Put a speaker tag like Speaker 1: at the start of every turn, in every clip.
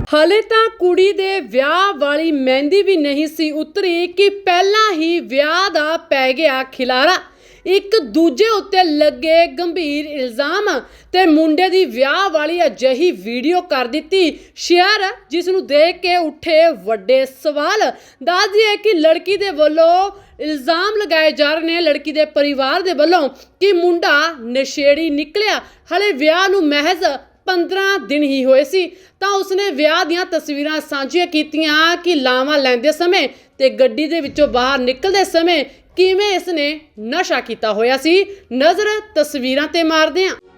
Speaker 1: ਹਲੇ ਤਾਂ ਕੁੜੀ ਦੇ ਵਿਆਹ ਵਾਲੀ ਮਹਿੰਦੀ ਵੀ ਨਹੀਂ ਸੀ ਉਤਰੀ ਕਿ ਪਹਿਲਾਂ ਹੀ ਵਿਆਹ ਦਾ ਪੈ ਗਿਆ ਖਿਲਾਰਾ। ਇੱਕ ਦੂਜੇ ਉੱਤੇ ਲੱਗੇ ਗੰਭੀਰ ਇਲਜ਼ਾਮ ਤੇ ਮੁੰਡੇ ਦੀ ਵਿਆਹ ਵਾਲੀ ਅਜਿਹੀ ਵੀਡੀਓ ਕਰ ਦਿੱਤੀ ਸ਼ੇਅਰ, ਜਿਸ ਨੂੰ ਦੇਖ ਕੇ ਉੱਠੇ ਵੱਡੇ ਸਵਾਲ। ਦੱਸ ਦਈਏ ਕਿ ਲੜਕੀ ਦੇ ਵੱਲੋਂ ਇਲਜ਼ਾਮ ਲਗਾਏ ਜਾ ਰਹੇ ਨੇ, ਲੜਕੀ ਦੇ ਪਰਿਵਾਰ ਦੇ ਵੱਲੋਂ, ਕਿ ਮੁੰਡਾ ਨਸ਼ੇੜੀ ਨਿਕਲਿਆ। ਹਲੇ ਵਿਆਹ ਨੂੰ ਮਹਿਜ਼ 15 ਦਿਨ ਹੀ ਹੋਏ ਸੀ ਤਾਂ ਉਸਨੇ ਵਿਆਹ ਦੀਆਂ ਤਸਵੀਰਾਂ ਸਾਂਝੀਆਂ ਕੀਤੀਆਂ ਕਿ ਲਾਵਾਂ ਲੈਂਦੇ ਸਮੇਂ ਤੇ ਗੱਡੀ ਦੇ ਵਿੱਚੋਂ ਬਾਹਰ ਨਿਕਲਦੇ ਸਮੇਂ ਕਿਵੇਂ ਇਸਨੇ ਨਸ਼ਾ ਕੀਤਾ ਹੋਇਆ ਸੀ। ਨਜ਼ਰ ਤਸਵੀਰਾਂ ਤੇ ਮਾਰਦੇ ਹਾਂ।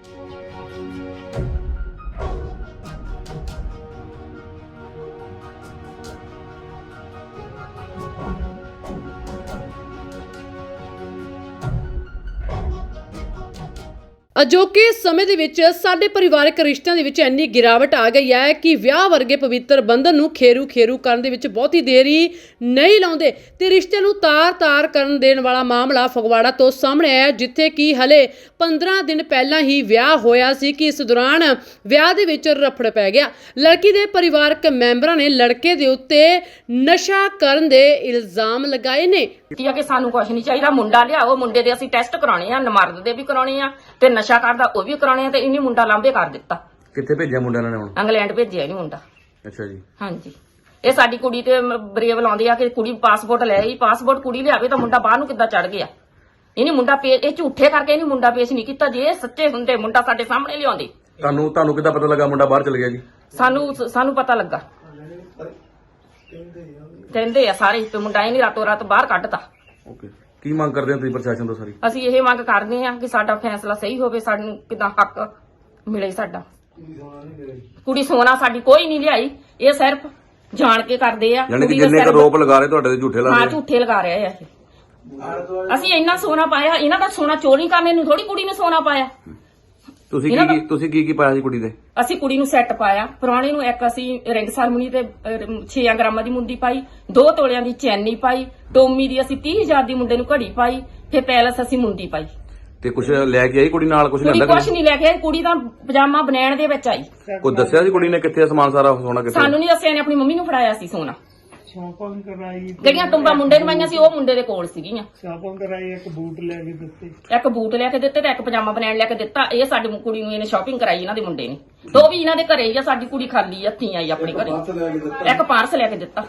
Speaker 1: ਅਜੋਕੇ ਸਮੇਂ ਦੇ ਵਿੱਚ ਸਾਡੇ ਪਰਿਵਾਰਕ ਰਿਸ਼ਤਿਆਂ ਦੇ ਵਿੱਚ ਇੰਨੀ ਗਿਰਾਵਟ ਆ ਗਈ ਹੈ ਕਿ ਵਿਆਹ ਵਰਗੇ ਪਵਿੱਤਰ ਬੰਧਨ ਨੂੰ ਖੇਰੂ ਕਰਨ ਦੇ ਵਿੱਚ ਬਹੁਤੀ ਦੇਰੀ ਨਹੀਂ ਲਾਉਂਦੇ ਤੇ ਰਿਸ਼ਤੇ ਨੂੰ ਤਾਰ ਕਰਨ ਦੇਣ ਵਾਲਾ ਮਾਮਲਾ ਫਗਵਾੜਾ ਤੋਂ ਸਾਹਮਣੇ ਆਇਆ, ਜਿੱਥੇ ਕਿ ਹਲੇ 15 ਦਿਨ ਪਹਿਲਾਂ ਹੀ ਵਿਆਹ ਹੋਇਆ ਸੀ ਕਿ ਇਸ ਦੌਰਾਨ ਵਿਆਹ ਦੇ ਵਿੱਚ ਰਫੜ ਪੈ ਗਿਆ। ਲੜਕੀ ਦੇ ਪਰਿਵਾਰਕ ਮੈਂਬਰਾਂ ਨੇ ਲੜਕੇ ਦੇ ਉੱਤੇ ਨਸ਼ਾ ਕਰਨ ਦੇ ਇਲਜ਼ਾਮ ਲਗਾਏ ਨੇ
Speaker 2: ਕਿ ਸਾਨੂੰ ਕੁਝ ਨਹੀਂ ਚਾਹੀਦਾ, ਮੁੰਡਾ ਲਿਆਓ, ਮੁੰਡੇ ਦੇ ਅਸੀਂ ਟੈਸਟ ਕਰਾਉਣੇ ਆ, ਨਮਰਦ ਦੇ ਵੀ ਕਰਾਉਣੇ ਆ ਤੇ ਨਸ਼ਾ ਕਰਦਾ ਉਹ ਵੀ ਕਰਾਉਣੇ ਆ। ਤੇ ਇਹਨੇ ਮੁੰਡਾ ਲਾਂਭੇ ਕਰ ਦਿੱਤਾ।
Speaker 3: ਕਿੱਥੇ ਭੇਜਿਆ ਮੁੰਡਾ ਨੇ ਹੁਣ?
Speaker 2: ਇੰਗਲੈਂਡ ਭੇਜਿਆ ਇਹਨੇ ਮੁੰਡਾ।
Speaker 3: ਅੱਛਾ ਜੀ।
Speaker 2: ਹਾਂਜੀ, ਇਹ ਸਾਡੀ ਕੁੜੀ ਤੇ ਬਰੇਵ ਲਾਉਂਦੀ ਆ ਕਿ ਕੁੜੀ ਪਾਸਪੋਰਟ ਲੈ ਆਈ, ਪਾਸਪੋਰਟ ਕੁੜੀ ਲਿਆਵੇ ਤਾਂ ਮੁੰਡਾ ਬਾਹਰ ਨੂੰ ਕਿੱਦਾਂ ਚੜ ਗਿਆ। ਇਹਨੇ ਮੁੰਡਾ ਇਹ ਝੂਠੇ ਕਰਕੇ ਇਹਨੇ ਮੁੰਡਾ ਪੇਸ਼ ਨਹੀਂ ਕੀਤਾ। ਜੇ ਇਹ ਸੱਚੇ ਹੁੰਦੇ ਮੁੰਡਾ ਸਾਡੇ ਸਾਹਮਣੇ ਲਿਆਉਂਦੇ।
Speaker 3: ਤੁਹਾਨੂੰ ਕਿੱਦਾਂ ਪਤਾ ਲੱਗਾ ਮੁੰਡਾ ਬਾਹਰ ਚਲ ਗਿਆ ਜੀ?
Speaker 2: ਸਾਨੂੰ ਪਤਾ ਲੱਗਾ, ਕਹਿੰਦੇ ਆ ਸਾਰੇ ਤੇ ਮੁੰਡਾ ਇਹਨੇ ਰਾਤੋਂ ਰਾਤ ਬਾਹਰ ਕੱਢਤਾ।
Speaker 3: ਓਕੇ, ਕੀ ਮੰਗ ਕਰਦੇ ਹੋ ਤੁਸੀਂ ਪ੍ਰਸ਼ਾਸਨ ਤੋਂ ਸਾਰੀ?
Speaker 2: ਅਸੀਂ ਇਹ ਮੰਗ ਕਰਦੇ ਆ ਕਿ ਸਾਡਾ ਫੈਸਲਾ ਸਹੀ ਹੋਵੇ, ਸਾਨੂੰ ਕਿਦਾਂ ਹੱਕ ਮਿਲੇ ਸਾਡਾ। ਕੁੜੀ ਸੋਨਾ ਸਾਡੀ ਕੋਈ ਨਹੀਂ ਲਿਆਈ, ਇਹ ਸਿਰਫ ਜਾਣ ਕੇ ਕਰਦੇ ਆ।
Speaker 3: ਯਾਨੀ ਕਿ ਜਿੰਨੇ ਕ ਰੋਪ ਲਗਾ ਰਹੇ ਤੁਹਾਡੇ ਤੇ ਝੂਠੇ ਲਾ ਰਹੇ?
Speaker 2: ਹਾਂ, ਝੂਠੇ ਲਗਾ ਰਹੇ ਆ ਇਹ। ਅਸੀਂ ਇੰਨਾ ਸੋਨਾ ਪਾਇਆ, ਇਹਨਾਂ ਦਾ ਸੋਨਾ ਚੋਰੀ ਕਰਨੇ ਨੂੰ ਥੋੜੀ ਕੁੜੀ ਨੂੰ ਸੋਨਾ ਪਾਇਆ।
Speaker 3: ਤੁਸੀਂ ਕੀ ਪਾਇਆ ਸੀ ਕੁੜੀ ਦੇ?
Speaker 2: ਅਸੀਂ ਕੁੜੀ ਨੂੰ ਸੈੱਟ ਪਾਇਆ, ਪੁਰਾਣੇ ਨੂੰ ਇੱਕ ਅਸੀਂ ਰਿੰਗ ਸੈਰਮਨੀ ਤੇ 6 ਗ੍ਰਾਮਾਂ ਦੀ ਮੁੰਦੀ ਪਾਈ, 2 ਤੋਲਿਆਂ ਦੀ ਚੈਨੀ ਪਾਈ, ਟੋਮੀ ਦੀ ਅਸੀਂ 30,000 ਦੀ ਮੁੰਡੇ ਨੂੰ ਘੜੀ ਪਾਈ, ਫਿਰ ਪੈਲਸ ਅਸੀਂ ਮੁੰਦੀ ਪਾਈ।
Speaker 3: ਤੇ ਕੁਝ ਲੈ ਕੇ ਆਈ ਕੁੜੀ ਨਾਲ? ਕੁਝ
Speaker 2: ਕੁੜੀ ਕੁਛ ਨਹੀਂ ਲੈ ਕੇ ਆਈ, ਕੁੜੀ ਤਾਂ ਪਜਾਮਾ ਬਣਾਉਣ ਦੇ ਵਿੱਚ ਆਈ।
Speaker 3: ਕੋਈ ਦੱਸਿਆ ਸੀ ਕੁੜੀ ਨੇ ਕਿੱਥੇ ਸਮਾਨ ਸਾਰਾ ਸੋਨਾ ਕਿੱਥੇ?
Speaker 2: ਸਾਨੂੰ ਨਹੀਂ ਦੱਸਿਆ, ਨੇ ਆਪਣੀ ਮੰਮੀ ਨੂੰ ਫੜਾਇਆ ਸੀ ਸੋਨਾ। ਜਿਹੜੀਆਂ ਟੁੰਬਾਂ ਮੁੰਡੇ ਨੂੰ ਪਾਈਆਂ ਸੀ ਉਹ ਮੁੰਡੇ ਦੇ ਕੋਲ ਸੀਗੀਆਂ।
Speaker 4: ਸ਼ਾਪਿੰਗ ਕਰਾਈ, ਇੱਕ ਬੂਟ ਲੈ ਕੇ ਦਿੱਤੇ,
Speaker 2: ਇੱਕ ਬੂਟ ਲੈ ਕੇ ਦਿੱਤੇ ਤੇ ਇੱਕ ਪਜਾਮਾ ਬਣਾਉਣ ਲੈ ਕੇ ਦਿੱਤਾ। ਇਹ ਸਾਡੀ ਕੁੜੀ ਨੂੰ ਇਹਨੇ ਸ਼ਾਪਿੰਗ ਕਰਾਈ, ਇਹਨਾਂ ਦੇ ਮੁੰਡੇ ਨੇ। ਤੇ ਉਹ ਵੀ ਇਹਨਾਂ ਦੇ ਘਰੇ ਹੀ ਆ, ਸਾਡੀ ਕੁੜੀ ਖਾਲੀ ਹੱਥੀਂ ਆਈ ਆਪਣੇ ਘਰੇ। ਇੱਕ ਪਾਰਸ ਲੈ ਕੇ ਦਿੱਤਾ।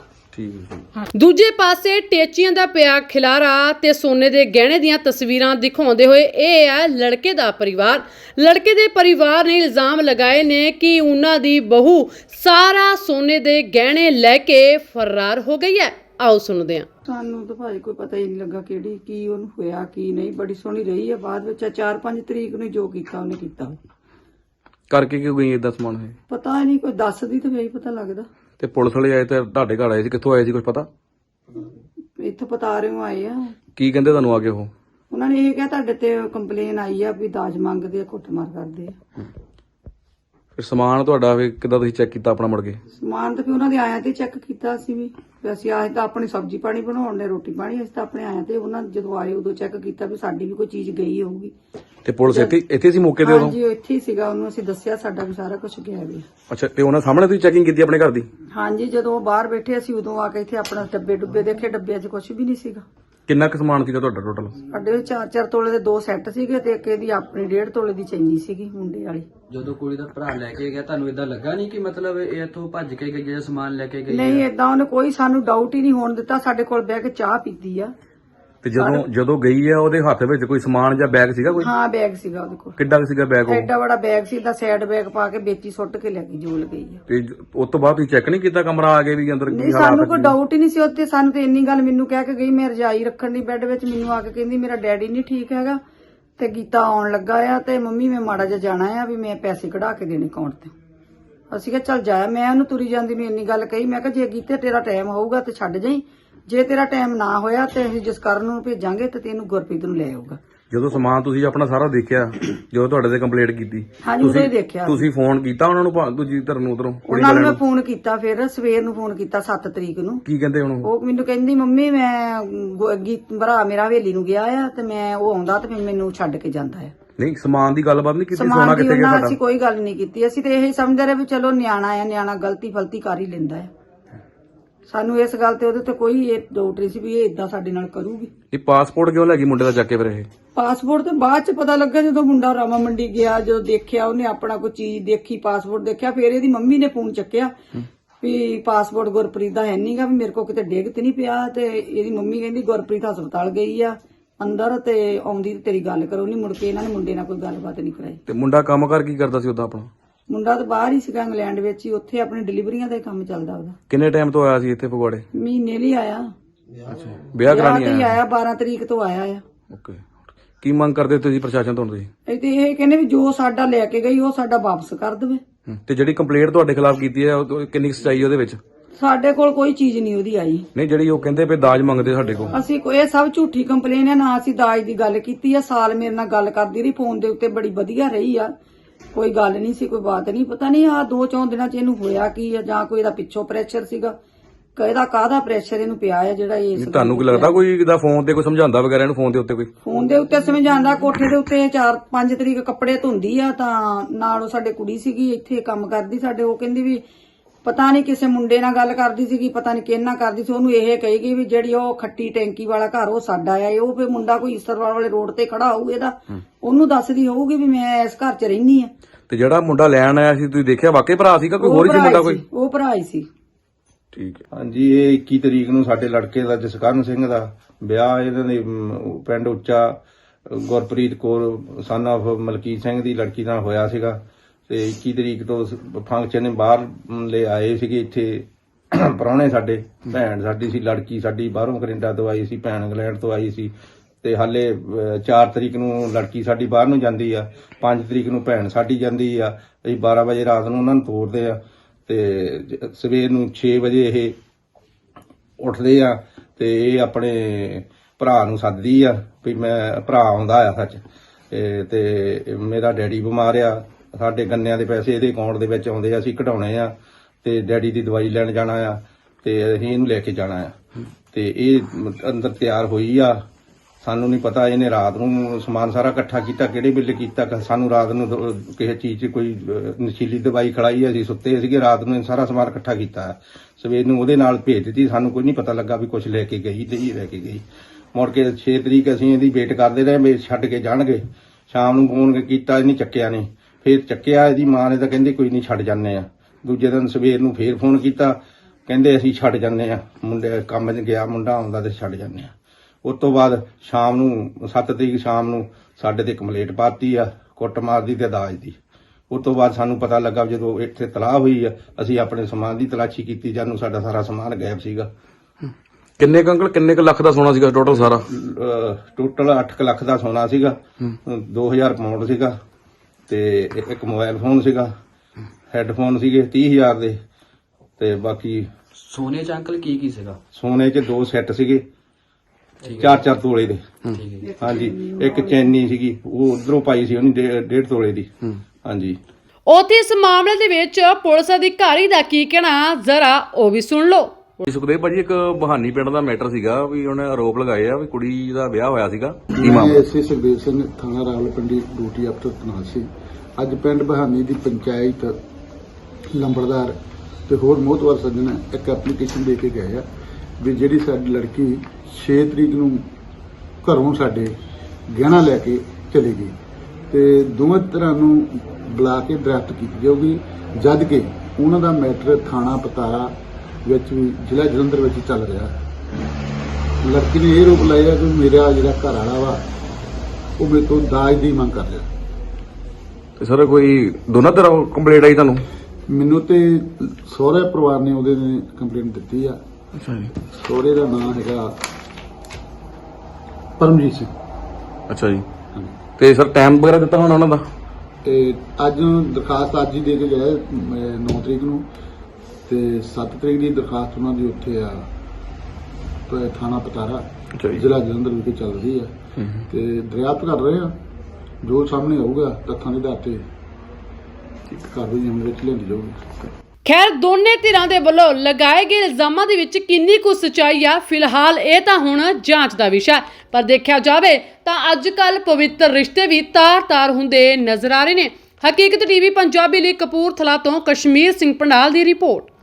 Speaker 1: ਦੂਜੇ ਪਾਸੇ ਟੇਚੀਆਂ ਦਾ ਪਿਆ ਖਿਲਾਰਾ ਤੇ ਸੋਨੇ ਦੇ ਗਹਿਣੇ ਦੀਆਂ ਤਸਵੀਰਾਂ ਦਿਖਾਉਂਦੇ ਹੋਏ ਇਹ ਹੈ ਲੜਕੇ ਦਾ ਪਰਿਵਾਰ। ਲੜਕੇ ਦੇ ਪਰਿਵਾਰ ਨੇ ਇਲਜ਼ਾਮ ਲਗਾਏ ਨੇ ਕਿ ਉਹਨਾਂ ਦੀ ਬਹੂ ਸਾਰਾ ਸੋਨੇ ਦੇ ਗਹਿਣੇ ਲੈ ਕੇ ਫਰਾਰ ਹੋ ਗਈ ਹੈ। ਆਓ ਸੁਣਦੇ ਹਾਂ।
Speaker 5: ਸਾਨੂੰ ਤਾਂ ਭਾਈ ਕੋਈ ਪਤਾ ਹੀ ਨਹੀਂ ਲੱਗਾ ਕੀ ਉਹਨੂੰ ਹੋਇਆ ਕੀ ਨਹੀਂ। ਬੜੀ ਸੋਹਣੀ ਰਹੀ ਹੈ, ਬਾਅਦ ਵਿੱਚ 4-5 ਤਰੀਕ ਨੂੰ ਜੋ ਕੀਤਾ ਉਹਨੇ ਕੀਤਾ।
Speaker 3: ਕਰਕੇ ਕਿਉਂ ਗਈ ਏਦਾਂ ਸਮਾਨ? ਹੈ
Speaker 5: ਪਤਾ ਨਹੀਂ, ਕੋਈ ਦੱਸਦੀ ਤਾਂ ਫੇਰ ਪਤਾ ਲੱਗਦਾ।
Speaker 3: ਤੇ ਪੁਲਿਸ ਵਾਲੇ ਆਏ ਤੇ ਤੁਹਾਡੇ ਘਰ ਆਏ ਸੀ, ਕਿੱਥੋਂ ਆਏ ਸੀ ਕੁਝ ਪਤਾ?
Speaker 5: ਇੱਥੋਂ ਪਤਾਰਿਓਂ ਆਏ ਆ।
Speaker 3: ਕੀ ਕਹਿੰਦੇ ਤੁਹਾਨੂੰ ਆ ਕੇ ਉਹ?
Speaker 5: ਉਹਨਾਂ ਨੇ ਇਹ ਕਿਹਾ ਤੁਹਾਡੇ ਤੇ ਕੰਪਲੇਨ ਆਈ ਆ ਵੀ ਦਾਜ ਮੰਗਦੇ ਆ, ਕੁੱਟਮਾਰ ਕਰਦੇ ਆ।
Speaker 3: ਫਿਰ ਸਮਾਨ ਤੁਹਾਡਾ ਵੀ ਕਿੱਦਾਂ ਤੁਸੀਂ ਚੈੱਕ ਕੀਤਾ ਆਪਣਾ ਮੁੜ ਕੇ?
Speaker 5: ਸਮਾਨ ਤਾਂ ਫਿਰ ਉਹਨਾਂ ਦੇ ਆਇਆਂ ਤੇ ਚੈੱਕ ਕੀਤਾ ਸੀ ਵੀ ਅਸੀਂ ਆਏ ਤਾਂ ਆਪਣੀ ਸਬਜ਼ੀ ਪਾਣੀ ਬਣਾਉਣ ਨੇ, ਰੋਟੀ ਪਾਣੀ ਅਸੀਂ ਤਾਂ ਆਪਣੇ ਆਇਆਂ ਤੇ। ਉਹਨਾਂ ਜਦੋਂ ਆਏ ਉਦੋਂ ਚੈੱਕ ਕੀਤਾ ਵੀ ਸਾਡੀ ਵੀ ਕੋਈ ਚੀਜ਼ ਗਈ ਹੋਊਗੀ।
Speaker 3: ਤੇ ਪੁਲਿਸ ਇੱਥੇ ਸੀ ਮੌਕੇ ਤੇ ਉਦੋਂ?
Speaker 5: ਹਾਂਜੀ, ਉਹ ਇੱਥੇ ਹੀ ਸੀਗਾ। ਉਹਨੂੰ ਅਸੀਂ ਦੱਸਿਆ ਸਾਡਾ ਵੀ ਸਾਰਾ ਕੁਝ ਗਿਆ ਵੀ।
Speaker 3: ਅੱਛਾ, ਤੇ ਉਹਨਾਂ ਸਾਹਮਣੇ ਤੁਸੀਂ ਚੈਕਿੰਗ ਕੀਤੀ ਆਪਣੇ ਘਰ ਦੀ?
Speaker 5: ਹਾਂਜੀ, ਜਦੋਂ ਉਹ ਬਾਹਰ ਬੈਠੇ ਅਸੀਂ ਉਦੋਂ ਆ ਕੇ ਇੱਥੇ ਆਪਣਾ ਡੱਬੇ ਦੇਖੇ। ਡੱਬਿਆਂ 'ਚ ਕੁਝ ਵੀ ਨਹੀਂ ਸੀਗਾ।
Speaker 3: ਕਿੰਨਾ ਕੁ ਸਮਾਨ ਸੀਗਾ ਤੁਹਾਡਾ ਟੋਟਲ?
Speaker 5: ਸਾਡੇ 4-4 ਤੋਲੇ ਦੇ 2 ਸੈੱਟ ਸੀਗੇ ਤੇ ਇੱਕ ਇਹਦੀ ਆਪਣੀ 1.5 ਤੋਲੇ ਦੀ ਚੈਨੀ ਸੀਗੀ ਮੁੰਡੇ ਵਾਲੀ।
Speaker 6: ਜਦੋਂ ਕੁੜੀ ਦਾ ਭਰਾ ਲੈ ਕੇ ਗਿਆ ਤੁਹਾਨੂੰ ਇਦਾਂ ਲੱਗਾ ਨਹੀਂ ਕਿ ਮਤਲਬ ਇਹ ਇੱਥੋਂ ਭੱਜ ਕੇ ਗਈ ਜਾਂ ਸਮਾਨ ਲੈ ਕੇ ਗਈ?
Speaker 5: ਨਹੀਂ, ਏਦਾਂ ਉਹਨੇ ਕੋਈ ਸਾਨੂੰ ਡਾਊਟ ਹੀ ਨਹੀਂ ਹੋਣ ਦਿੱਤਾ। ਸਾਡੇ ਕੋਲ ਬਹਿ ਕੇ ਚਾਹ ਪੀਤੀ ਆ।
Speaker 3: ਤੇ ਜਦੋਂ ਗਈ ਆ ਉਹਦੇ ਹੱਥ ਵਿੱਚ ਕੋਈ ਸਮਾਨ ਜਾਂ ਬੈਗ ਸੀਗਾ ਕੋਈ?
Speaker 5: ਹਾਂ, ਬੈਗ ਸੀਗਾ ਉਹਦੇ ਕੋਲ।
Speaker 3: ਕਿੱਡਾ ਸੀਗਾ ਬੈਗ ਉਹ?
Speaker 5: ਐਡਾ ਬੜਾ ਬੈਗ ਸੀ, ਦਾ ਸਾਈਡ ਬੈਗ ਪਾ ਕੇ ਵਿੱਚ ਹੀ ਸੁੱਟ ਕੇ ਲੈ ਗਈ, ਜੋਲ ਗਈ ਆ।
Speaker 3: ਤੇ ਉਸ ਤੋਂ ਬਾਅਦ ਤੁਸੀਂ ਚੈੱਕ ਨਹੀਂ ਕੀਤਾ ਕਮਰਾ ਆ ਕੇ ਵੀ ਅੰਦਰ
Speaker 5: ਨਹੀਂ,
Speaker 3: ਕੀ ਹਾਲਾਤ?
Speaker 5: ਸਾਨੂੰ ਕੋਈ ਡਾਊਟ ਹੀ ਨਹੀਂ ਸੀ ਉੱਥੇ। ਸਾਨੂੰ ਤੇ ਇੰਨੀ ਗੱਲ ਮੈਨੂੰ ਕਹਿ ਕੇ ਗਈ, ਮੈਂ ਰਜਾਈ ਰੱਖਣ ਦੀ ਬੈੱਡ ਵਿੱਚ, ਮੈਨੂੰ ਆ ਕੇ ਕਹਿੰਦੀ ਮੇਰਾ ਡੈਡੀ ਨਹੀਂ ਠੀਕ ਹੈਗਾ ਤੇ ਗੀਤਾ ਆਉਣ ਲੱਗਾ ਆ ਤੇ ਮੰਮੀ ਮੈਂ ਮਾੜਾ ਜਿਹਾ ਜਾਣਾ ਆ ਵੀ ਮੈਂ ਪੈਸੇ ਕਢਾ ਕੇ ਦੇਣੇ ਅਕਾਊਂਟ ਤੇ। ਅਸੀਂ ਕਿਹਾ ਚੱਲ ਜਾਇਆ। ਮੈਂ ਉਹਨੂੰ ਤੁਰੀ ਜਾਂਦੀ ਨੂੰ ਇੰਨੀ ਗੱਲ ਕਹੀ, ਮੈਂ ਕਿਹਾ ਜੇ ਗੀਤੇ ਤੇਰਾ ਟਾਈਮ ਹੋਊਗਾ ਤੇ ਛੱਡ ਜਾਈ, ਜੇ ਤੇਰਾ ਟਾਈਮ ਨਾ ਹੋਇਆ ਤੇ ਅਸੀਂ ਜਸਕਰਨ ਨੂੰ ਭੇਜਾਂਗੇ ਤੇ ਤੈਨੂੰ ਗੁਰਪ੍ਰੀਤ ਨੂੰ ਲੈ ਆਊਗਾ।
Speaker 3: ਜਦੋਂ ਸਮਾਨ ਤੁਸੀਂ ਆਪਣਾ ਸਾਰਾ ਦੇਖਿਆ, ਜਦੋਂ ਤੁਹਾਡੇ ਤੇ ਕੰਪਲੇਂਟ ਕੀਤੀ,
Speaker 5: ਹਾਂਜੀ, ਉਦੋਂ ਹੀ ਦੇਖਿਆ।
Speaker 3: ਤੁਸੀਂ ਫੋਨ ਕੀਤਾ ਉਹਨਾਂ ਨੂੰ ਦੂਜੀ ਧਰ ਨੂੰ ਉਧਰੋਂ?
Speaker 5: ਉਹਨਾਂ ਨੂੰ ਮੈਂ ਫੋਨ ਕੀਤਾ, ਫਿਰ ਸਵੇਰ ਨੂੰ ਫੋਨ ਕੀਤਾ 7 ਤਰੀਕ ਨੂੰ।
Speaker 3: ਕੀ ਕਹਿੰਦੇ ਹੁਣ?
Speaker 5: ਉਹ ਮੈਨੂੰ ਕਹਿੰਦੀ ਮੰਮੀ ਮੈਂ ਭਰਾ ਮੇਰਾ ਹਵੇਲੀ ਨੂੰ ਗਿਆ ਆ ਤੇ ਮੈਂ ਉਹ ਆਉਂਦਾ ਤੇ ਮੈਨੂੰ ਛੱਡ ਕੇ ਜਾਂਦਾ ਆ।
Speaker 3: ਨਹੀਂ ਸਮਾਨ ਦੀ ਗੱਲਬਾਤ ਨਹੀਂ ਕੀਤੀ, ਸੋਨਾ
Speaker 5: ਸਮਾਨ ਦੀ
Speaker 3: ਕਿੱਥੇ ਗਿਆ
Speaker 5: ਉਹਨਾਂ
Speaker 3: ਸਾਡਾ?
Speaker 5: ਅਸੀਂ ਕੋਈ ਗੱਲ ਨਹੀਂ ਕੀਤੀ। ਅਸੀਂ ਤੇ ਇਹ ਸਮਝਦੇ ਰਹੇ ਵੀ ਚਲੋ ਨਿਆਣਾ ਆ, ਨਿਆਣਾ ਗਲਤੀ ਫਲਤੀ ਕਰ ਹੀ ਲੈਂਦਾ ਹੈ। ਸਾਨੂੰ ਇਸ ਗੱਲ ਤੇ ਉਹਦੇ ਤੇ ਕੋਈ ਇਹ ਡਾਊਟ ਨਹੀਂ ਸੀ ਵੀ ਇਹ ਇਦਾਂ ਸਾਡੇ ਨਾਲ ਕਰੂਗੀ।
Speaker 3: ਇਹ ਪਾਸਪੋਰਟ ਕਿਉਂ ਲੈ ਗਈ ਮੁੰਡੇ ਦਾ ਚੱਕ ਕੇ ਫਿਰ ਇਹ?
Speaker 5: ਪਾਸਪੋਰਟ ਤੇ ਬਾਅਦ ਚ ਪਤਾ ਲੱਗਾ ਜਦੋਂ ਮੁੰਡਾ ਰਾਮਾ ਮੰਡੀ ਗਿਆ, ਜਦੋਂ ਦੇਖਿਆ ਉਹਨੇ ਆਪਣਾ ਕੋਈ ਚੀਜ਼ ਦੇਖੀ, ਪਾਸਪੋਰਟ ਦੇਖਿਆ, ਫਿਰ ਇਹਦੀ ਮੰਮੀ ਨੇ ਫੋਨ ਚੱਕਿਆ ਵੀ ਪਾਸਪੋਰਟ ਗੁਰਪ੍ਰੀਤ ਦਾ ਹੈ ਨਹੀਂਗਾ, ਵੀ ਮੇਰੇ ਕੋ ਕਿਤੇ ਡਿੱਗ ਤੇ ਨਹੀਂ ਪਿਆ। ਤੇ ਇਹਦੀ ਮੰਮੀ ਕਹਿੰਦੀ ਗੁਰਪ੍ਰੀਤ ਹਸਪਤਾਲ ਗਈ ਆ ਅੰਦਰ, ਤੇ ਆਉਂਦੀ ਤੇ ਤੇਰੀ ਗੱਲ ਕਰੋ। ਨਹੀਂ ਮੁੜ ਕੇ ਇਹਨਾਂ ਨੇ ਮੁੰਡੇ ਨਾਲ ਕੋਈ ਗੱਲਬਾਤ ਨਹੀਂ ਕਰਾਈ।
Speaker 3: ਤੇ ਮੁੰਡਾ ਕੰਮ ਕਰ ਕੀ ਕਰਦਾ ਸੀ ਉਦਾਂ ਆਪਣਾ?
Speaker 5: ਮੁੰਡਾ ਤਾਂ ਬਾਹਰ ਹੀ ਸੀਗਾ, ਇੰਗਲੈਂਡ ਵਿੱਚ ਹੀ, ਉੱਥੇ ਆਪਣੀ ਡਿਲੀਵਰੀਆਂ ਦਾ ਹੀ ਕੰਮ ਚੱਲਦਾ ਉਹਦਾ।
Speaker 3: ਕਿੰਨੇ ਟਾਈਮ ਤੋਂ ਆਇਆ ਸੀ ਇੱਥੇ ਫਗਵਾੜੇ?
Speaker 5: ਮਹੀਨੇ ਲਈ ਆਇਆ,
Speaker 3: ਅੱਛਾ, ਵਿਆਹ ਕਰਾਣੀ
Speaker 5: ਤੇ ਹੀ
Speaker 3: ਆਇਆ?
Speaker 5: ਆਇਆ 12 ਤਰੀਕ ਤੋਂ ਆਇਆ ਆ।
Speaker 3: ਓਕੇ, ਕੀ ਮੰਗ ਕਰਦੇ ਤੁਸੀਂ ਪ੍ਰਸ਼ਾਸਨ ਤੋਂ ਤੁਸੀਂ?
Speaker 5: ਇਹ ਤੇ ਇਹ ਕਹਿੰਦੇ ਵੀ ਜੋ ਸਾਡਾ ਲੈ ਕੇ ਗਈ ਉਹ ਸਾਡਾ ਵਾਪਸ ਕਰ ਦੇਵੇ।
Speaker 3: ਤੇ ਜਿਹੜੀ ਕੰਪਲੇਂਟ ਤੁਹਾਡੇ ਖਿਲਾਫ ਕੀਤੀ ਹੈ ਉਹ ਕਿੰਨੀ ਸੱਚਾਈ ਉਹਦੇ ਵਿੱਚ?
Speaker 5: ਸਾਡੇ ਕੋਲ ਕੋਈ ਚੀਜ਼ ਨਹੀਂ ਉਹਦੀ ਆਈ।
Speaker 3: ਨਹੀਂ, ਜਿਹੜੀ ਉਹ ਕਹਿੰਦੇ ਵੀ ਦਾਜ ਮੰਗਦੇ ਸਾਡੇ ਕੋਲ।
Speaker 5: ਅਸੀਂ ਕੋਈ ਇਹ ਸਭ ਝੂਠੀ ਕੰਪਲੇਨ ਹੈ, ਨਾ ਅਸੀਂ ਦਾਜ ਦੀ ਗੱਲ ਕੀਤੀ ਆ। ਸਾਲ ਮੇਰੇ ਨਾਲ ਗੱਲ ਕਰਦੀ ਰਹੀ ਫੋਨ ਦੇ ਉੱਤੇ, ਬੜੀ ਵਧੀਆ ਰਹੀ ਆ, ਕੋਈ ਗੱਲ ਨਹੀਂ ਸੀ, ਕੋਈ ਬਾਤ ਨਹੀਂ। ਪਤਾ ਨਹੀਂ ਆ 2-4 ਦਿਨਾਂ ਚ ਇਹਨੂੰ ਹੋਇਆ ਕੀ ਆ, ਜਾਂ ਕੋਈ ਇਹਦਾ ਪਿੱਛੋਂ ਪ੍ਰੈਸ਼ਰ ਸੀਗਾ, ਕਿਹਦਾ ਕਾਹਦਾ ਪ੍ਰੈਸ਼ਰ ਇਹਨੂੰ ਪਿਆ ਹੈ ਜਿਹੜਾ ਇਸ
Speaker 3: ਤੁਹਾਨੂੰ ਕੀ ਲੱਗਦਾ ਕੋਈ ਇਹਦਾ ਫੋਨ ਤੇ ਕੋਈ ਸਮਝਾਉਂਦਾ ਵਗੈਰਾ ਇਹਨੂੰ ਫੋਨ ਦੇ ਉੱਤੇ ਕੋਈ?
Speaker 5: ਫੋਨ ਦੇ ਉੱਤੇ ਸਮਝਾਉਂਦਾ। ਕੋਠੇ ਦੇ ਉੱਤੇ 4-5 ਤਰੀਕ ਕੱਪੜੇ ਧੁੰਦੀ ਆ, ਤਾਂ ਨਾਲ ਉਹ ਸਾਡੇ ਕੁੜੀ ਸੀਗੀ ਇੱਥੇ ਕੰਮ ਕਰਦੀ ਸਾਡੇ, ਉਹ ਕਹਿੰਦੀ ਵੀ ਪਤਾ ਨਹੀਂ ਕਿਸੇ ਮੁੰਡੇ ਨਾਲ ਗੱਲ ਕਰਦੀ ਸੀਗੀ, ਪਤਾ ਨਹੀਂ ਕਿਹਨਾਂ ਕਰਦੀ ਸੀ। ਉਹਨੂੰ ਇਹ ਕਹੇਗੀ ਵੀ ਜਿਹੜੀ ਉਹ ਖੱਟੀ ਟੈਂਕੀ ਵਾਲਾ ਘਰ ਉਹ ਸਾਡਾ ਆ। ਉਹ ਫੇ ਮੁੰਡਾ ਕੋਈ ਈਸਰਵਾਲ ਵਾਲੇ ਰੋਡ ਤੇ ਖੜਾ ਹੋਊ ਇਹਦਾ, ਉਹਨੂੰ ਦੱਸਦੀ ਹੋਊਗੀ ਵੀ ਮੈਂ ਇਸ ਘਰ 'ਚ ਰਹਿਨੀ ਆ।
Speaker 3: ਤੇ ਜਿਹੜਾ ਮੁੰਡਾ ਲੈਣ ਆਇਆ ਸੀ ਤੁਸੀਂ ਦੇਖਿਆ ਵਾਕਈ ਭਰਾ ਸੀਗਾ ਕੋਈ ਹੋਰ ਹੀ ਸੀ ਮੁੰਡਾ ਕੋਈ?
Speaker 5: ਉਹ ਭਰਾ ਹੀ ਸੀ।
Speaker 3: ਠੀਕ ਹੈ।
Speaker 7: ਹਾਂਜੀ, ਇਹ 21 ਤਰੀਕ ਨੂੰ ਸਾਡੇ ਲੜਕੇ ਦਾ ਜਸਕਰਨ ਸਿੰਘ ਦਾ ਵਿਆਹ ਇਹਨਾਂ ਦੇ ਪਿੰਡ ਉੱਚਾ ਗੁਰਪ੍ਰੀਤ ਕੌਰ ਸਨ ਆਫ ਮਲਕੀਤ ਸਿੰਘ ਦੀ ਲੜਕੀ ਨਾਲ ਹੋਇਆ ਸੀਗਾ। ਤੇ 21 ਤਰੀਕ ਤੋਂ ਫੰਕਸ਼ਨ ਬਾਹਰ ਲੈ ਆਏ ਸੀਗੇ ਇੱਥੇ ਪ੍ਰਾਹੁਣੇ ਸਾਡੇ। ਭੈਣ ਸਾਡੀ ਸੀ, ਲੜਕੀ ਸਾਡੀ ਬਾਹਰੋਂ ਕੈਨੇਡਾ ਤੋਂ ਆਈ ਸੀ, ਭੈਣ ਇੰਗਲੈਂਡ ਤੋਂ ਆਈ ਸੀ। ਤੇ ਹਾਲੇ 4 ਤਰੀਕ ਨੂੰ ਲੜਕੀ ਸਾਡੀ ਬਾਹਰ ਨੂੰ ਜਾਂਦੀ ਆ, 5 ਤਰੀਕ ਨੂੰ ਭੈਣ ਸਾਡੀ ਜਾਂਦੀ ਆ। ਅਸੀਂ 12 ਵਜੇ ਰਾਤ ਨੂੰ ਉਹਨਾਂ ਨੂੰ ਤੋਰਦੇ ਆ, ਤੇ ਸਵੇਰ ਨੂੰ 6 ਵਜੇ ਇਹ ਉੱਠਦੇ ਆ। ਤੇ ਇਹ ਆਪਣੇ ਭਰਾ ਨੂੰ ਸੱਦਦੀ ਆ ਵੀ ਮੈਂ ਭਰਾ ਆਉਂਦਾ ਆ ਸੱਚ, ਤੇ ਮੇਰਾ ਡੈਡੀ ਬਿਮਾਰ ਆ, ਸਾਡੇ ਗੰਨਿਆਂ ਦੇ ਪੈਸੇ ਇਹਦੇ ਅਕਾਊਂਟ ਦੇ ਵਿੱਚ ਆਉਂਦੇ ਆ, ਅਸੀਂ ਕਢਾਉਣੇ ਆ, ਤੇ ਡੈਡੀ ਦੀ ਦਵਾਈ ਲੈਣ ਜਾਣਾ ਆ, ਤੇ ਅਸੀਂ ਇਹਨੂੰ ਲੈ ਕੇ ਜਾਣਾ ਆ। ਤੇ ਇਹ ਅੰਦਰ ਤਿਆਰ ਹੋਈ ਆ, ਸਾਨੂੰ ਨਹੀਂ ਪਤਾ ਇਹਨੇ ਰਾਤ ਨੂੰ ਸਮਾਨ ਸਾਰਾ ਇਕੱਠਾ ਕੀਤਾ, ਕਿਹੜੇ ਵੇਲੇ ਕੀਤਾ। ਸਾਨੂੰ ਰਾਤ ਨੂੰ ਕਿਸੇ ਚੀਜ਼ 'ਚ ਕੋਈ ਨਸ਼ੀਲੀ ਦਵਾਈ ਖੜਾਈ, ਅਸੀਂ ਸੁੱਤੇ ਸੀਗੇ, ਰਾਤ ਨੂੰ ਸਾਰਾ ਸਮਾਨ ਇਕੱਠਾ ਕੀਤਾ, ਸਵੇਰ ਨੂੰ ਉਹਦੇ ਨਾਲ ਭੇਜ ਦਿੱਤੀ। ਸਾਨੂੰ ਕੋਈ ਨਹੀਂ ਪਤਾ ਲੱਗਾ ਵੀ ਕੁਝ ਲੈ ਕੇ ਗਈ ਤੇ ਹੀ ਲੈ ਕੇ ਗਈ। ਮੁੜ ਕੇ 6 ਤਰੀਕ ਅਸੀਂ ਇਹਦੀ ਵੇਟ ਕਰਦੇ ਰਹੇ ਵੀ ਛੱਡ ਕੇ ਜਾਣਗੇ। ਸ਼ਾਮ ਨੂੰ ਫੋਨ ਕੀਤਾ, ਇਹਨੇ ਚੱਕਿਆ ਨਹੀਂ, ਫੇਰ ਚੱਕਿਆ ਇਹਦੀ ਮਾਂ ਨੇ ਤਾਂ ਕਹਿੰਦੇ ਕੋਈ ਨਹੀਂ ਛੱਡ ਜਾਂਦੇ ਆ। ਦੂਜੇ ਦਿਨ ਸਵੇਰ ਨੂੰ ਫੇਰ ਫੋਨ ਕੀਤਾ, ਕਹਿੰਦੇ ਅਸੀਂ ਛੱਡ ਜਾਂਦੇ ਆ, ਮੁੰਡੇ ਕੰਮ 'ਚ ਗਿਆ, ਮੁੰਡਾ ਆਉਂਦਾ ਤੇ ਛੱਡ ਜਾਂਦੇ ਆ। ਉਸ ਤੋਂ ਬਾਅਦ ਸ਼ਾਮ ਨੂੰ 7 ਤਰੀਕ ਸ਼ਾਮ ਨੂੰ ਸਾਡੇ ਤੇ ਕੰਪਲੇਂਟ ਪਾਤੀ ਆ ਕੁੱਟਮਾਰ ਦੀ ਤੇ ਦਾਜ ਦੀ। ਉਸ ਤੋਂ ਬਾਅਦ ਸਾਨੂੰ ਪਤਾ ਲੱਗਾ ਜਦੋਂ ਇੱਥੇ ਤਲਾਹ ਹੋਈ ਆ, ਅਸੀਂ ਆਪਣੇ ਸਮਾਨ ਦੀ ਤਲਾਸ਼ੀ ਕੀਤੀ, ਜਾਨੂੰ ਸਾਡਾ ਸਾਰਾ ਸਮਾਨ ਗਾਇਬ ਸੀਗਾ।
Speaker 3: ਕਿੰਨੇ ਕੁ ਅੰਕਲ ਕਿੰਨੇ ਕੁ ਲੱਖ ਦਾ ਸੋਨਾ ਸੀਗਾ ਟੋਟਲ ਸਾਰਾ?
Speaker 7: ਟੋਟਲ 8 ਲੱਖ ਦਾ ਸੋਨਾ ਸੀਗਾ, 2000 ਪਾਉਂਡ ਸੀਗਾ, ਤੇ ਇੱਕ ਮੋਬਾਈਲ ਫੋਨ ਸੀਗਾ, ਹੈੱਡਫੋਨ ਸੀਗੇ 30,000 ਦੇ, ਤੇ ਬਾਕੀ
Speaker 6: ਸੋਨੇ ਚ ਅੰਕਲ ਕੀ ਕੀ ਸੀਗਾ?
Speaker 7: ਸੋਨੇ 'ਚ 2 ਸੈੱਟ ਸੀਗੇ 4-4 ਤੋਲੇ ਦੇ।
Speaker 6: ਠੀਕ ਹੈ।
Speaker 7: ਹਾਂਜੀ, ਇੱਕ ਚੈਨੀ ਸੀਗੀ, ਉਹ ਉਧਰੋਂ ਪਾਈ ਸੀ ਉਹਨੇ 1.5 ਤੋਲੇ ਦੀ। ਹਾਂਜੀ।
Speaker 1: ਉੱਥੇ ਇਸ ਮਾਮਲੇ ਦੇ ਵਿੱਚ ਪੁਲਿਸ ਅਧਿਕਾਰੀ ਦਾ ਕੀ ਕਹਿਣਾ, ਜ਼ਰਾ ਉਹ ਵੀ ਸੁਣ ਲਓ।
Speaker 3: ਸੁਖਦੇਵ ਭਾਜੀ, ਇੱਕ ਬਹਾਨੀ ਪਿੰਡ ਦਾ ਮੈਟਰ ਸੀਗਾ ਵੀ ਉਹਨੇ ਆਰੋਪ ਲਗਾਏ ਆ ਵੀ ਕੁੜੀ ਦਾ ਵਿਆਹ ਹੋਇਆ ਸੀਗਾ, ਕੀ ਮਾਮਲਾ?
Speaker 8: ਐਸਏ ਸੁਖਦੇਵ ਸਿੰਘ ਥਾਣਾ ਰਾਵਲਪਿੰਡੀ ਡਿਊਟੀ ਅਫਸਰ ਤੈਨਾਤ ਸੀ। ਅੱਜ ਪਿੰਡ ਬਹਾਨੀ ਦੀ ਪੰਚਾਇਤ ਲੰਬੜਦਾਰ ਤੇ ਹੋਰ ਮੋਹਤਵਰ ਸੱਜਣ ਇੱਕ ਐਪਲੀਕੇਸ਼ਨ ਦੇ ਕੇ ਗਏ ਆ ਵੀ ਜਿਹੜੀ ਸਾਡੀ ਲੜਕੀ 6 ਤਰੀਕ ਨੂੰ ਘਰੋਂ ਸਾਡੇ ਗਹਿਣਾ ਲੈ ਕੇ ਚਲੀ ਗਈ, ਤੇ ਦੋਵੇਂ ਤਰ੍ਹਾਂ ਨੂੰ ਬੁਲਾ ਕੇ ਡਰਾਫਟ ਕੀਤੀ ਜਾਊਗੀ, ਜਦ ਕਿ ਉਹਨਾਂ ਦਾ ਮੈਟਰ ਥਾਣਾ ਪਤਾਰਾ ਵਿੱਚ ਵੀ ਜ਼ਿਲ੍ਹਾ ਜਲੰਧਰ ਵਿੱਚ ਚੱਲ ਰਿਹਾ। ਲੜਕੀ ਨੇ ਇਹ ਰੋਪ ਲਾਇਆ ਕਿ ਮੇਰਾ ਜਿਹੜਾ ਘਰ ਵਾਲਾ ਵਾ ਉਹ ਮੇਰੇ ਤੋਂ ਦਾਜ ਦੀ ਮੰਗ ਕਰ ਰਿਹਾ।
Speaker 3: ਤੇ ਸਰ ਕੋਈ ਦੋਨਾਂ ਤਰ੍ਹਾਂ ਕੰਪਲੇਂਟ ਆਈ ਤੁਹਾਨੂੰ?
Speaker 8: ਮੈਨੂੰ ਤੇ ਸਹੁਰੇ ਪਰਿਵਾਰ ਨੇ ਉਹਦੇ ਨੇ ਕੰਪਲੇਂਟ ਦਿੱਤੀ ਆ।
Speaker 3: ਅੱਛਾ ਜੀ।
Speaker 8: ਸਹੁਰੇ ਦਾ ਨਾਮ ਹੈਗਾ ਪਰਮਜੀਤ ਸਿੰਘ।
Speaker 3: ਅੱਛਾ ਜੀ। ਤੇ ਸਰ ਟਾਈਮ ਵਗੈਰਾ ਦਿੱਤਾ ਹੋਣਾ ਉਹਨਾਂ ਦਾ?
Speaker 8: ਤੇ ਅੱਜ ਦਰਖਾਸਤ ਅੱਜ ਹੀ ਦੇ ਕੇ ਗਏ 9 ਤਰੀਕ ਨੂੰ, ਤੇ 7 ਤਰੀਕ ਦੀ ਦਰਖਾਸਤ ਉਹਨਾਂ ਦੀ ਉੱਥੇ ਆ ਥਾਣਾ ਪਤਾਰਾ ਜ਼ਿਲ੍ਹਾ ਜਲੰਧਰ ਵਿਖੇ ਚੱਲ ਰਹੀ ਆ, ਤੇ ਦਰਿਆਫਤ ਕਰ ਰਹੇ ਆ। ਜੋ ਸਾਹਮਣੇ ਆਊਗਾ ਤੱਥਾਂ ਦੇ ਆਧਾਰ ਤੇ ਕਾਰਵਾਈ ਅਮਲ ਵਿੱਚ ਲਿਆਂਦੀ ਜਾਊਗੀ।
Speaker 1: ਖੈਰ ਦੋਨੇ ਧਿਰਾਂ ਦੇ ਵੱਲੋਂ ਲਗਾਏ ਗਏ ਇਲਜ਼ਾਮਾਂ ਦੇ ਵਿੱਚ ਕਿੰਨੀ ਕੁ ਸੱਚਾਈ ਆ ਫਿਲਹਾਲ ਇਹ ਤਾਂ ਹੁਣ ਜਾਂਚ ਦਾ ਵਿਸ਼ਾ ਹੈ। ਪਰ ਦੇਖਿਆ ਜਾਵੇ ਤਾਂ ਅੱਜ ਕੱਲ ਪਵਿੱਤਰ ਰਿਸ਼ਤੇ ਵੀ ਤਾਰ-ਤਾਰ ਹੁੰਦੇ ਨਜ਼ਰ ਆ ਰਹੇ ਨੇ। ਹਕੀਕਤ ਟੀਵੀ ਪੰਜਾਬੀ ਲਈ ਕਪੂਰਥਲਾ ਤੋਂ ਕਸ਼ਮੀਰ ਸਿੰਘ ਪੰਡਾਲ ਦੀ ਰਿਪੋਰਟ।